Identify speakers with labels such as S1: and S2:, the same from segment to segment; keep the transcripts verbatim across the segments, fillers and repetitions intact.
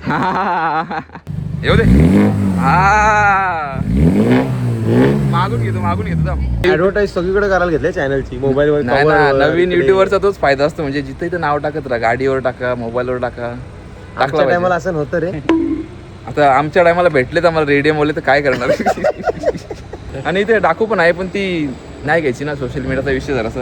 S1: येऊ दे. हा मागून घेतो मागून घेतो.
S2: ऍडव्हर्टाईज सगळीकडे करायला घेतले चॅनलची, मोबाईलवर.
S1: नाही ना, नवीन युट्यूबरचा तोच फायदा असतो. म्हणजे जिथे इथं नाव टाकत राहा, गाडीवर टाका, मोबाईलवर टाका.
S2: टाकला टायमाला असं नव्हतं रे.
S1: आता आमच्या टायमाला भेटले तर आम्हाला रेडियम बोलले तर काय करणार. आणि इथे डाकू पण आहे, पण ती नाही घ्यायची ना, सोशल मीडियाचा विषय जरासा.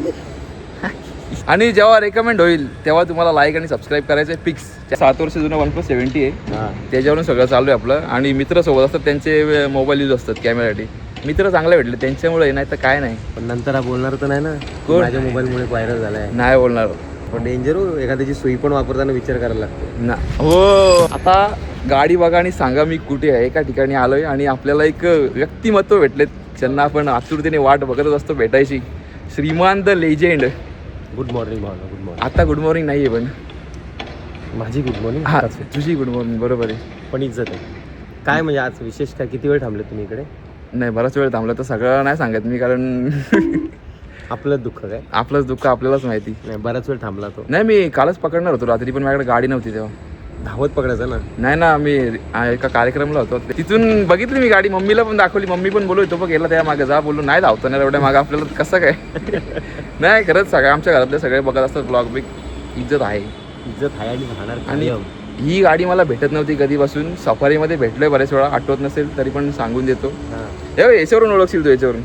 S1: आणि जेव्हा रेकमेंड होईल तेव्हा तुम्हाला लाईक आणि सबस्क्राईब करायचं आहे फिक्स. सात वर्ष जुनं वन प्लस सेव्हन्टी आहे, त्याच्यावरून सगळं चालू आहे आपलं. आणि मित्र सोबत असतात, त्यांचे मोबाईल यूज असतात कॅमेरासाठी. मित्र चांगले भेटले त्यांच्यामुळे, नाही तर काय नाही.
S2: पण नंतर हा बोलणार तर नाही ना, माझ्या मोबाईलमुळे व्हायरल झालाय.
S1: नाही बोलणार.
S2: पण डेंजर हो, एखाद्याची सुई पण वापरताना विचार करायला लागतो
S1: ना. हो, आता गाडी बघा आणि सांगा मी कुठे आहे. एका ठिकाणी आलोय आणि आपल्याला एक व्यक्तिमत्व भेटलेत, ज्यांना आपण आतुरतेने वाट बघतच असतो भेटायची. Shriman the legend.
S2: Good morning Bhavana. Good morning.
S1: आता गुड मॉर्निंग नाही आहे, पण
S2: माझी गुड मॉर्निंग.
S1: हा, तुझी गुड मॉर्निंग. बरोबर आहे,
S2: पण इज्जत आहे. काय म्हणजे आज विशेष काय, किती वेळ थांबले तुम्ही इकडे?
S1: नाही, बराच वेळ थांबलं तर सगळं नाही सांगत मी, कारण
S2: आपलंच दुःख काय,
S1: आपलंच दुःख आपल्यालाच माहिती.
S2: नाही, बराच वेळ थांबला तो.
S1: नाही, मी कालच पकडणार होतो रात्री, पण माझ्याकडे गाडी नव्हती तेव्हा.
S2: धावत पकडायचं ना. नाही
S1: ना, मी एका कार्यक्रमला होतो, तिथून बघितली मी गाडी, मम्मीला पण दाखवली. मम्मी पण बोलू तो पण गेला त्या मागे, जा बोलू नाही धावतो ना एवढ्या मागे आपल्याला कसं काय. नाही, खरंच सगळं आमच्या घरातले सगळे बघत असतात ब्लॉग. बिग इज्जत आहे.
S2: इज्जत आहे आणि राहणार.
S1: आणि ही गाडी मला भेटत नव्हती कधीपासून. सफारीमध्ये भेटलोय बरेच वेळा, आठवत नसेल तरी पण सांगून देतो. याच्यावरून ओळखशील तू, याच्यावरून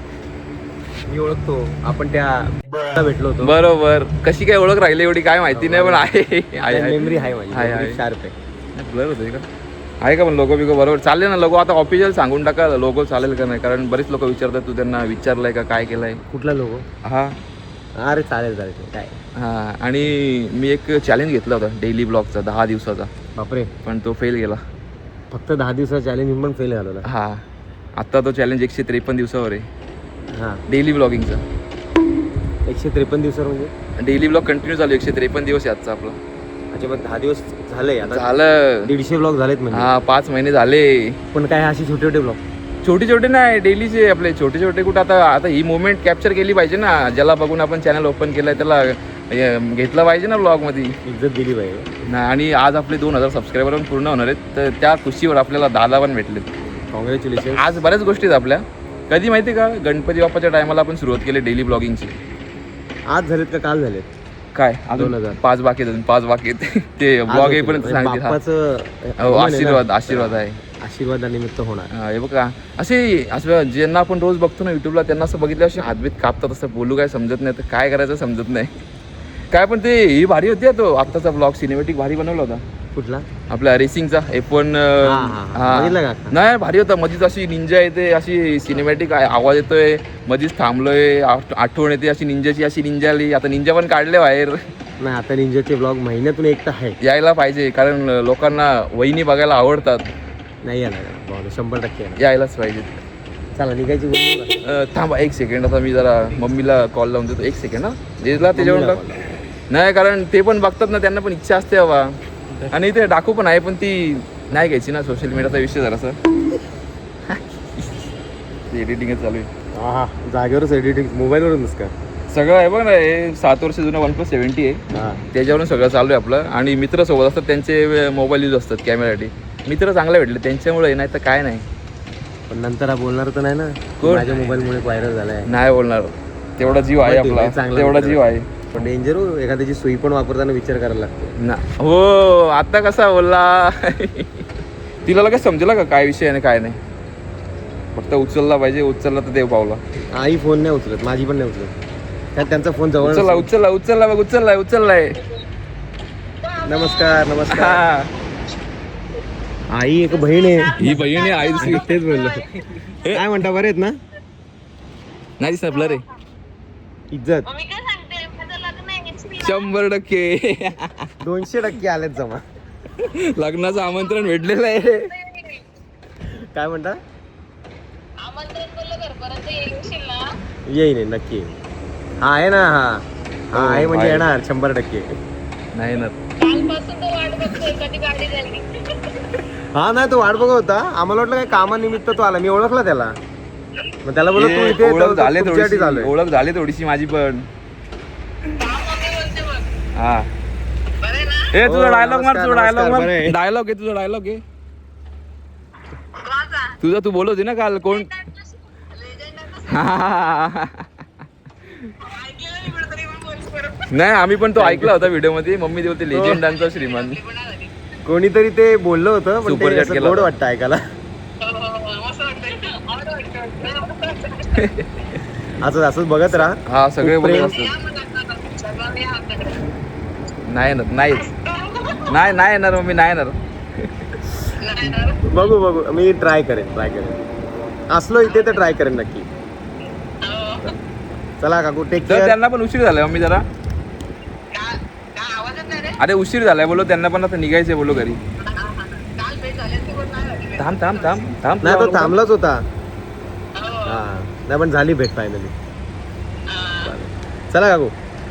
S2: मी ओळखतो. आपण त्या भेटलो होतो.
S1: बरोबर. कशी काय ओळख राहिली एवढी काय माहिती नाही, पण आहे.
S2: मेमरी आहे माझी, शार्प आहे.
S1: ब्लर होतं का, आहे का पण लोगो बिगो बरोबर चालेल ना? लोगो आता ऑफिशियल सांगून टाका, लोगो चालेल का नाही, कारण बरेच लोक विचारतात. तू त्यांना विचारलंय का, काय केलंय?
S2: कुठला लोगो?
S1: हा,
S2: अरे चालेल चालेल काय.
S1: हां, आणि मी एक चॅलेंज घेतला होता डेली ब्लॉगचा, दहा दिवसाचा.
S2: बापरे.
S1: पण तो फेल गेला.
S2: फक्त दहा दिवसाचा चॅलेंज मी पण फेल झालो.
S1: हां, आत्ता तो चॅलेंज एकशे त्रेपन्न दिवसावर आहे.
S2: हां,
S1: डेली ब्लॉगिंगचा.
S2: एकशे त्रेपन्न दिवसावर म्हणजे
S1: डेली ब्लॉग कंटिन्यू चालू, एकशे त्रेपन्न दिवस आहे आजचा आपला.
S2: अच्छा, मग दहा दिवस झाले आता?
S1: झालं.
S2: दीडशे ब्लॉग झालेत म्हणजे.
S1: हां, पाच महिने झाले.
S2: पण काय असे छोटे छोटे ब्लॉग?
S1: छोटे छोटे नाही, डेलीचे आपले छोटे छोटे. कुठं आता आता ही मुवमेंट कॅप्चर केली पाहिजे ना, ज्याला बघून आपण चॅनल ओपन केलंय त्याला घेतलं पाहिजे ना ब्लॉगमध्ये,
S2: इज्जत दिली पाहिजे
S1: ना. आणि आज आपले दोन हजार सबस्क्रायबर पण पूर्ण होणार आहेत, तर त्या खुशीवर आपल्याला दादा पण भेटलेत.
S2: कॉंग्रॅच्युलेशन.
S1: आज बऱ्याच गोष्टी आहेत आपल्या. कधी माहिती का, गणपती बाप्पाच्या टायमाला आपण सुरुवात केली डेली ब्लॉगिंगची.
S2: आज झालेत का काल झालेत?
S1: काय अजून पाच बाकी आहेत, पाच बाकी आहेत. ते ब्लॉग येईपर्यंत सांगितलं. आशीर्वाद आशीर्वाद आहे,
S2: आशीर्वादानिमित्त होणार.
S1: हे बघा, असे असं ज्यांना आपण रोज बघतो ना युट्यूबला, त्यांना असं बघितलं असे हातबीत कापतात, असं बोलू काय समजत नाही, तर काय करायचं समजत नाही काय. पण ते ही भारी होती, तो आत्ताचा ब्लॉग सिनेमॅटिक भारी बनवला होता.
S2: कुठला?
S1: आपला रेसिंगचा एफ वन. नाही, भारी होता. मधीच अशी निंजा येते, अशी सिनेमॅटिक आवाज येतोय, मधीच थांबलोय, आठवण येते अशी निंजाची, अशी निंजा आली. आता निंजा पण काढले बाहेर.
S2: नाही, आता निंजाचे ब्लॉग महिन्यातून एक तर आहे,
S1: यायला पाहिजे, कारण लोकांना वहिनी बघायला आवडतात.
S2: नाही यायला, शंभर टक्के
S1: यायलाच पाहिजे.
S2: चला निघायची.
S1: थांबा एक सेकंड, आता मी जरा मम्मीला कॉल लावून देतो. एक सेकंड. हा, दिला त्याच्यावर नाही, कारण ते पण बघतात ना, त्यांना पण इच्छा असते बाबा. आणि ते डाकू पण आहे, पण ती नाही घ्यायची ना, सोशल मीडियाचा विषय जरासा. एडिटिंगच चालू आहे.
S2: हा, जागेवरच एडिटिंग, मोबाईलवरूनच का
S1: सगळं आहे बघ ना. हे सात वर्ष जुनं वन प्लस सेव्हन्टी आहे, त्याच्यावरून सगळं चालू आहे आपलं. आणि मित्र सोबत असतात, त्यांचे मोबाईल यूज असतात कॅमेरासाठी. मित्र चांगले भेटले त्यांच्यामुळे, नाही तर काय नाही.
S2: पण नंतर हा बोलणार तर नाही ना, माझ्या मोबाईलमुळे व्हायरल झालाय.
S1: नाही बोलणार. तेवढा जीव आहे आपला, तेवढा जीव आहे.
S2: पण डेंजर हो, एखाद्याची सुई पण वापरताना विचार करायला लागतो
S1: ना. हो, आता कसा बोलला. तिला लगेच समजला का काय विषय आहे काय नाही. फक्त उचलला पाहिजे, उचलला तर देव पावला.
S2: आई फोन नाही उचलत, माझी पण नाही उचलत, त्यात त्यांचा फोन जवळ.
S1: उचलला उचलला उचलला बघ, उचललाय उचललाय.
S2: नमस्कार नमस्कार. आई एक बहीण आहे.
S1: ही बहीण आहे, आई दुसरी.
S2: तेच बोललो. काय म्हणता, बरे आहेत ना?
S1: नाही दिसत ब्लर आहे.
S2: इज्जत
S1: शंभर टक्के
S2: दोनशे टक्के आलेत जमा.
S1: लग्नाचं आमंत्रण भेटलेलं आहे.
S2: काय म्हणता? येईन नक्की. हा आहे ना. हा हा आहे म्हणजे येणार शंभर टक्के.
S1: नाही ना,
S2: हा नाही, तो वाट बघत होता. आम्हाला वाटलं काय कामानिमित्त तो आला. मी ओळखला त्याला, मग त्याला बोललो तू इथे.
S1: ओळख झाली थोडीशी, ओळख झाली थोडीशी माझी पण. हा, ए तुझा
S2: हो,
S1: डायलॉग मार,
S2: नमस्कार,
S1: तुझा डायलॉग
S2: नमस्कार,
S1: मार,
S2: बरं आहे.
S1: डायलॉग आहे तुझा डायलॉग आहे तुझा. तू बोलत होती ना काल कोण नाही आम्ही पण तो ऐकला होता व्हिडिओ मध्ये. मम्मी ती बोलते लेजेंडांचा श्रीमान.
S2: कोणीतरी ते बोललं होतं पण
S1: Super
S2: ते
S1: chat
S2: असं
S1: केला
S2: गोड
S1: होता.
S2: वाटतं ऐकायला. असंच असंच बघत राहा.
S1: हा सगळे
S2: खूप
S1: बोलत
S2: प्रेम.
S1: असतात. नाही येणार नाहीच नाही नाही येणार मम्मी नाही येणार.
S2: बघू बघू मी ट्राय करेन ट्राय करेन असलो इथे तर ट्राय करेन नक्की. चला काकू टेक
S1: तर
S2: केअर.
S1: त्यांना पण उशीर झालाय मम्मी जरा. अरे उशीर झालाय बोलो त्यांना पण आता निघायचंय बोलो घरी. थांब थांब थांब थांब
S2: नाही तो थांबलाच होता. हा नाही पण झाली भेट फायनली. चला काकू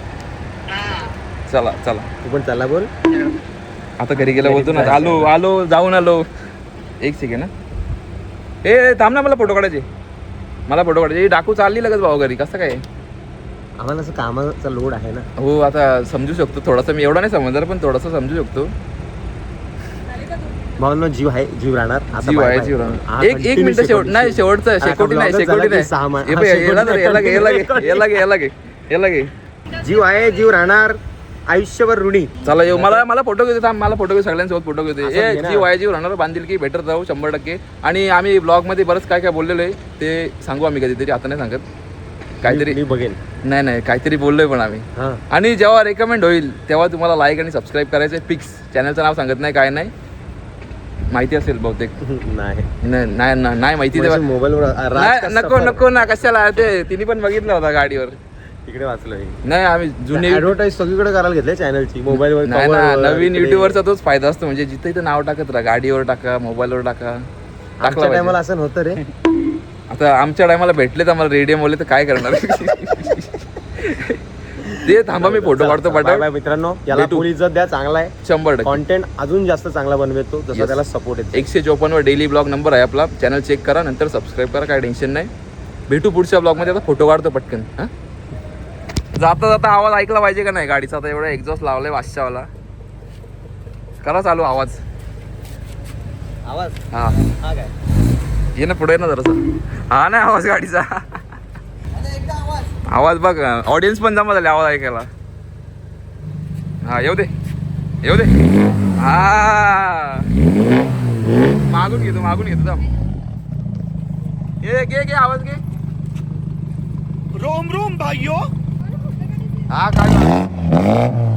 S1: चला चला
S2: तू पण चला बोल.
S1: आता घरी गेला बोलतो ना आलो आलो जाऊन आलो. एक सेकंड ना ए थांब ना मला फोटो काढायचे मला फोटो काढायचे. डाकू चालली लगेच भाऊ घरी कसं काय.
S2: आम्हाला असं कामाचा लोड आहे ना.
S1: हो आता समजू शकतो थोडासा. मी एवढा नाही समजणार पण थोडासा समजू शकतो.
S2: भावनो जीव आहे जीव राहणार आता
S1: जीव
S2: bye
S1: आहे
S2: bye.
S1: जीव
S2: हा,
S1: राहणार. एक एक
S2: continue
S1: मिनिट शेवट
S2: शेकोटी.
S1: नाही शेवटचं
S2: हा,
S1: शेकोटी नाही
S2: vlog झाला
S1: शेकोटी
S2: की
S1: नाही
S2: सहा मा-
S1: हे
S2: हा,
S1: बघ,
S2: शेकोटी
S1: याला धर, याला घे याला घे
S2: नाही.
S1: याला घे याला घे याला घे.
S2: जीव आहे जीव राहणार आयुष्यभर ऋणी.
S1: चला येऊ मला मला फोटो घेते थांब मला फोटो घेऊ सगळ्यांसोबत फोटो घेते.
S2: असं
S1: ए
S2: घे ना.
S1: जीव आहे जीव राहणार बांधील की बेटर जाऊ शंभर टक्के. आणि आम्ही ब्लॉग मध्ये बरंच काय काय बोललेलो आहे ते सांगू आम्ही कधीतरी आता नाही सांगत. काहीतरी
S2: मी बघेन.
S1: नाही नाही काहीतरी बोललोय पण आम्ही.
S2: हा
S1: आणि जेव्हा रेकमेंड होईल तेव्हा तुम्हाला लाईक आणि सबस्क्राईब करायचं आहे फिक्स. चॅनलचं नाव सांगत नाही काय नाही माहिती असेल बहुतेक.
S2: नाही
S1: नाही नाही नाही- नाही माहिती तेव्हा
S2: मोबाईल
S1: नाही नको नको ना कशाला ते तिने पण बघितलं होता गाडीवर.
S2: तिकडे वाचलं
S1: नाही आम्ही जुने
S2: ऍडव्हर्टाईज सगळीकडे करायला घेतले चॅनलची मोबाईलवर
S1: नाही ना
S2: cover वर,
S1: नवीन
S2: इकडे.
S1: युट्यूबरचा तोच फायदा असतो. म्हणजे जिथे इथे नाव टाकत राहा गाडीवर टाका मोबाईलवर टाका टाकला
S2: आमच्या टायमाला
S1: पाहिजे.
S2: असं नव्हतं रे.
S1: आता आमच्या टायमाला भेटले तर आम्हाला रेडियम बोलले तर काय करणार. ते थांबा मी फोटो काढतो
S2: बाय
S1: पटापट.
S2: बाय मित्रांनो याला
S1: भेटू.
S2: फुल इज्जत द्या. चांगला आहे
S1: शंभर टक्के
S2: कॉन्टेंट अजून जास्त चांगला बनवतो जसं
S1: Yes.
S2: त्याला सपोर्ट येतो.
S1: एकशे चोपन्न वर डेली ब्लॉग नंबर आहे आपला. चॅनल चेक करा नंतर सबस्क्राईब करा काय टेन्शन नाही. भेटू पुढच्या ब्लॉगमध्ये. आता फोटो काढतो पटकन. हां जाता जाता आवाज ऐकला पाहिजे का नाही गाडीचा. आता एवढा एक्झॉस्ट लावलाय वाशच्यावाला. करा चालू आवाज.
S2: आवाज
S1: हा
S2: हा काय
S1: ये ना पुढे ना जरासा. हा नाही आवाज गाडीचा आवाज बघ ऑडियन्स पण जमा झाले आवाज ऐकायला. हा येऊ दे येऊ दे. हा मागून घेतो मागून घेतो थांब. घे घे घे आवाज घे.
S2: रोम रोम भाइयों.
S1: हा काय